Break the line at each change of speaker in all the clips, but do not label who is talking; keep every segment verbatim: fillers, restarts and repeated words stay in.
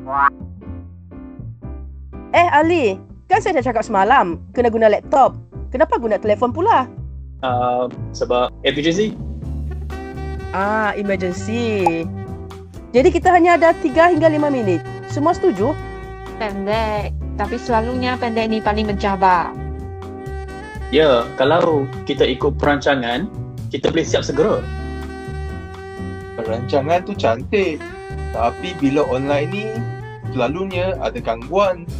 Eh Ali, kan saya dah cakap semalam kena guna laptop. Kenapa guna telefon pula?
Uh, sebab emergency.
Ah, emergency. Jadi kita hanya ada tiga hingga lima minit. Semua setuju?
Pendek. Tapi selalunya pendek ni paling mencabar.
Ya, kalau kita ikut perancangan, kita boleh siap segera.
Perancangan tu cantik. Tapi bila online ni, selalunya ada gangguan.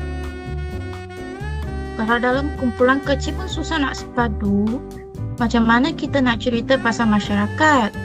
Kalau dalam kumpulan kecil pun susah nak sepadu. Macam mana kita nak cerita pasal masyarakat?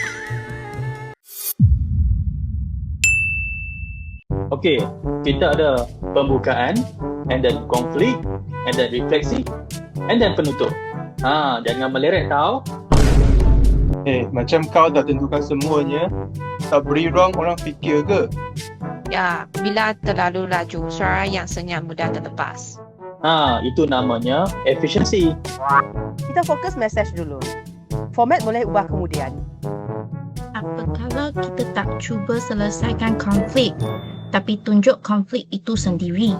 Okey, kita ada pembukaan, and then konflik, and then refleksi, and then penutup. Ha, jangan meleret tau.
Eh, macam kau dah tentukan semuanya, tak beri ruang orang fikir ke?
Ya, bila terlalu laju, suara yang senyap mudah terlepas.
Ha, itu namanya efisiensi.
Kita fokus message dulu. Format boleh ubah kemudian.
Apa kalau kita tak cuba selesaikan konflik, tapi tunjuk konflik itu sendiri?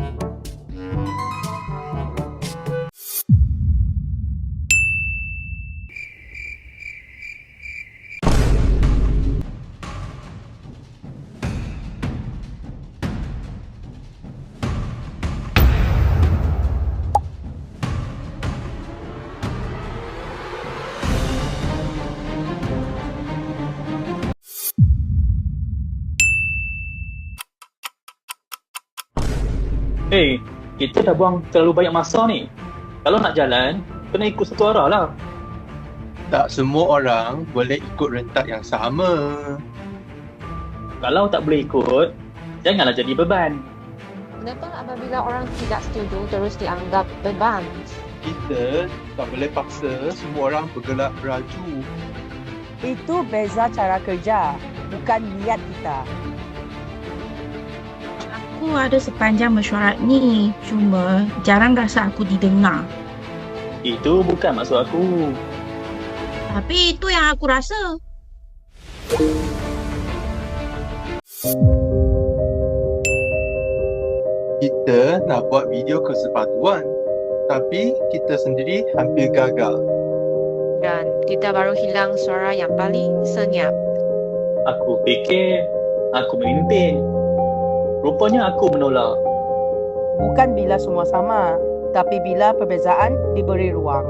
Eh, hey, kita dah buang terlalu banyak masa ni. Kalau nak jalan, kena ikut satu arah lah.
Tak semua orang boleh ikut rentak yang sama.
Kalau tak boleh ikut, janganlah jadi beban.
Kenapa apabila orang tidak setuju terus dianggap beban?
Kita tak boleh paksa semua orang bergerak beraju.
Itu beza cara kerja, bukan niat kita.
Aku ada sepanjang mesyuarat ni, cuma jarang rasa aku didengar.
Itu bukan maksud aku.
Tapi itu yang aku rasa.
Kita nak buat video kesepaduan, tapi kita sendiri hampir gagal.
Dan kita baru hilang suara yang paling senyap.
Aku fikir aku memimpin. Rupanya aku menolak.
Bukan bila semua sama, tapi bila perbezaan diberi ruang.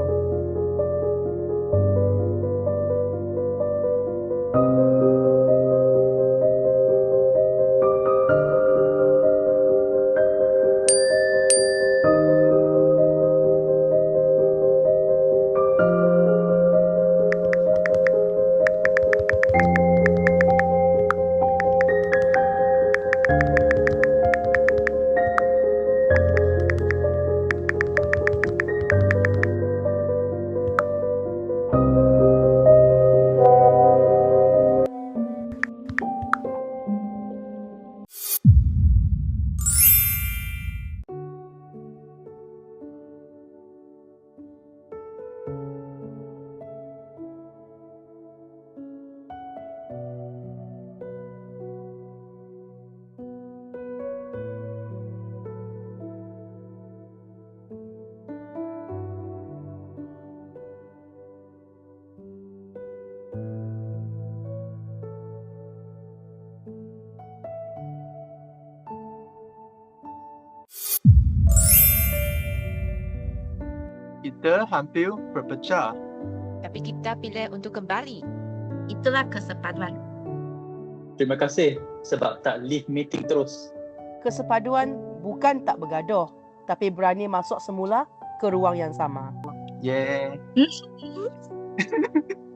Kita hampir berpecah.
Tapi kita pilih untuk kembali.
Itulah kesepaduan.
Terima kasih sebab tak leave meeting terus.
Kesepaduan bukan tak bergaduh, tapi berani masuk semula ke ruang yang sama.
Yeah.